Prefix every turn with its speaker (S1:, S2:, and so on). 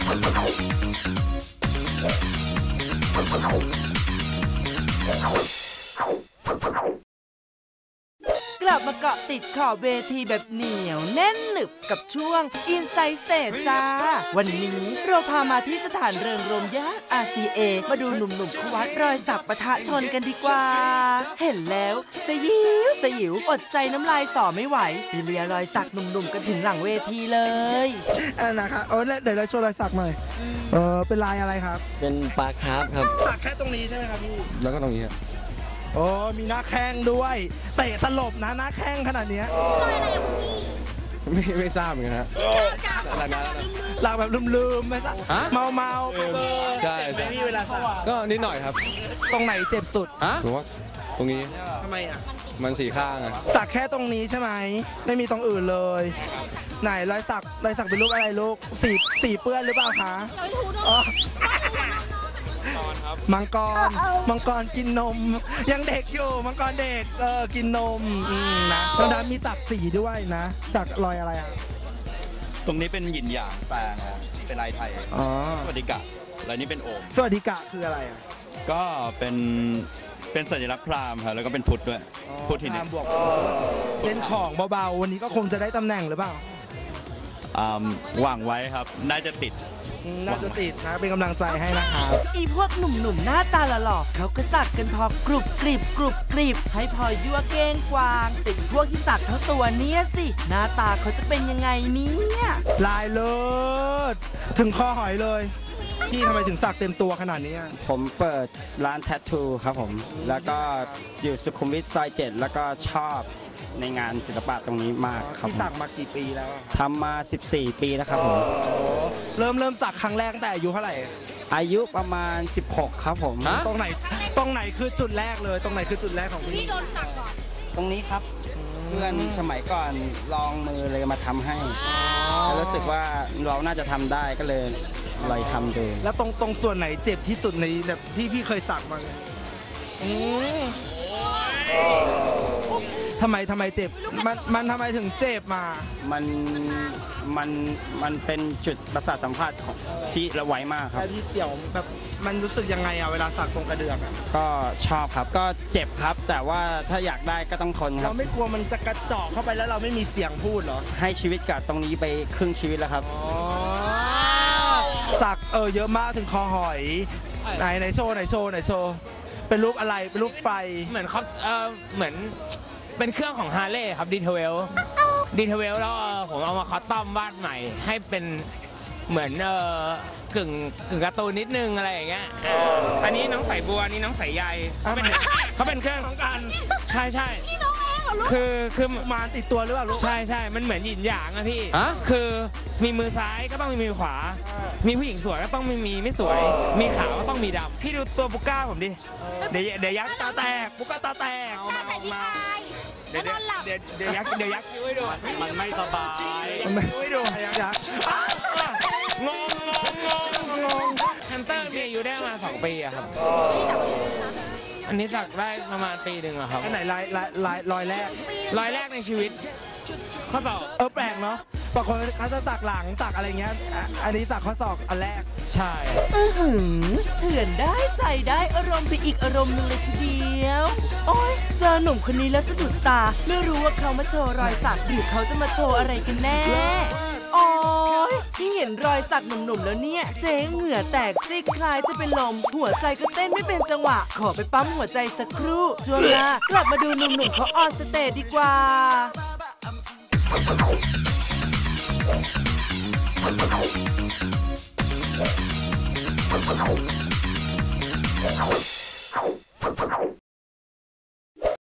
S1: กลับมาเกาะติดขอบเวทีแบบเหนียวแน่นหนึบกับช่วง Inside Stage จ้าวันนี้เราพามาที่สถานเริงรมย์ย่าน RCA มาดูหนุ่มๆเขาวัดรอยสักปะทะชนกันดีกว่าเห็นแล้วสยิวอดใจน้ำลายต่อไม่ไหวเลียรอยสักหนุ่มๆกันถึงหลังเวทีเลย
S2: นะคะเดี๋ยวเราโชว์รอยสักหน่อยเป็นลายอะไรครับ
S3: เป็นปลาคาร์ฟครับ
S2: สักแค่ตรงนี้ใช่ไหมครับพี่
S3: แล้วก็ตรงนี้ครับ
S2: โอ้มีหน้าแข้งด้วยเตะสลบนะหน้าแข้งขนาดนี้
S3: ไม่ทราบเหมือนกันฮะ
S2: หลักแบบลืมไม่ทราบเมา
S3: ใช่
S2: ไม่มีเวลาสัก
S3: ก็นิดหน่อยครับ
S2: ตรงไหนเจ็บสุด
S3: หรือว่าตรงนี้
S2: ทำไมอ่ะ
S3: มันสีข้างอ่ะ
S2: สักแค่ตรงนี้ใช่ไหมไม่มีตรงอื่นเลยไหนรอยสักเป็นรูปอะไรลูกสีเปื้อนหรือเปล่าคะมังกรกินนมยังเด็กอยู่มังกรเด็กกินนมนะแล้วนั้นมีสักสีด้วยนะสักรอยอะไรอ่ะ
S4: ตรงนี้เป็นหยินหยางแปลงเป็นลายไทยสวัสดิกะแล้วนี่เป็นโอม
S2: สวัสดิกะคืออะไรอ่ะ
S4: ก็เป็นสัญลักษณ์พราหมณ์ครับแล้วก็เป็นพุทธด้วยพุทธทีนี้
S2: เล่นของเบาๆวันนี้ก็คงจะได้ตำแหน่งหรือเปล่า
S4: หวังไว้ครับน่าจะติด
S2: นะเป็นกำลังใจให้นะครับ
S1: อีพวกหนุ่มๆหน้าตาหล่อๆเขาก็สักกันพอกรุบกริบให้พอยั่วเก้งกวางแต่พวกที่สักทั้งตัวเนี้ยสิหน้าตาเขาจะเป็นยังไงเนี่ย
S2: ลายเลิศถึงคอหอยเลยพี่ทำไมถึงสักเต็มตัวขนาดนี้
S5: ผมเปิดร้านแทททูครับผมแล้วก็อยู่สุขุมวิทซอย7แล้วก็ชอบในงานศิลปะตรงนี้มากครับ
S2: พี่สักมากี่ปีแล้ว
S5: ทำมา14 ปีแล้วครับผม
S2: เริ่มสักครั้งแรกแต่อายุเท่าไหร่
S5: อายุประมาณ16ครับผม
S2: ตรงไหนคือจุดแรกเลยตรงไหนคือจุดแรกของพี่
S6: โดนสักก่อน
S5: ตรงนี้ครับเพื่อนสมัยก่อนลองมือเลยมาทำให้รู้สึกว่าเราน่าจะทำได้ก็เลยลองทำดู
S2: แล้วตรงส่วนไหนเจ็บที่สุดในแบบที่พี่เคยสักมาทำไมเจ็บมันทำไมถึงเจ็บมา
S5: มันเป็นจุดประสาทสัมผัสของที่ระไวมากครับ
S2: ที่เสี่ยวแบบมันรู้สึกยังไงเวลาสักตรงกระเดือก
S5: ก็ชอบครับก็เจ็บครับแต่ว่าถ้าอยากได้ก็ต้องทนครับ
S2: เราไม่กลัวมันจะกระเจาะเข้าไปแล้วเราไม่มีเสียงพูดเหรอ
S5: ให้ชีวิตกับตรงนี้ไปครึ่งชีวิตแล้วครับ
S2: สักเยอะมากถึงคอหอยไหนโชว์เป็นรูปอะไรเป็นรูปไฟ
S7: เหมือนเขาเหมือนเป็นเครื่องของฮาร์เลย์ครับดีเทลแล้วผมเอามาคัสตอมวาดใหม่ให้เป็นเหมือนกึ่งการ์ตูนนิดนึงอะไรอย่างเงี้ยอันนี้น้องสายบัวนี่น้องสายใยเขาเป็นเครื่องของกันใช่คือ
S2: มาติดตัวหรือเปล่าลูก
S7: ใช่มันเหมือนหยินหยางอะพี่คือมีมือซ้ายก็ต้องมีมือขวามีผู้หญิงสวยก็ต้องมีไม่สวยมีขาวก็ต้องมีดำพี่ดูตัวบุก้าผมดิเดี๋ยวยักษ์ตาแตก
S2: บุก้าตาแตก
S7: เดี๋ยวยักษ์คิ้วให้ดู
S4: มันไม่สบาย
S2: ไม่ดูยักษ์
S7: งฮันเตอร์มีอายุได้มา2 ปีอะครับอันนี้สักได้ประมาณปีหนึ่งอะครับ
S2: อันไหนรอยแรก
S7: ในชีวิตข้อศอก
S2: แปลกเนาะบางคนเขาจะสักหลังสักอะไรเงี้ยอันนี้สักข้อศอกอันแรก
S7: ใช่
S1: เถื่อนได้ใจได้อารมณ์ไปอีกอารมณ์นึงเลยทีเดียวโอ๊ยเจอหนุ่มคนนี้แล้วสะดุดตาไม่รู้ว่าเขามาโชว์รอยสักหรือเขาจะมาโชว์อะไรกันแน่โอ๊ยที่เห็นรอยสักหนุ่มๆแล้วเนี่ยเจ๊เหงื่อแตกซิกคล้ายจะเป็นลมหัวใจก็เต้นไม่เป็นจังหวะขอไปปั๊มหัวใจสักครู่ช่วงหน้ากลับมาดูหนุ่มๆเขาออนสเตจดีกว่า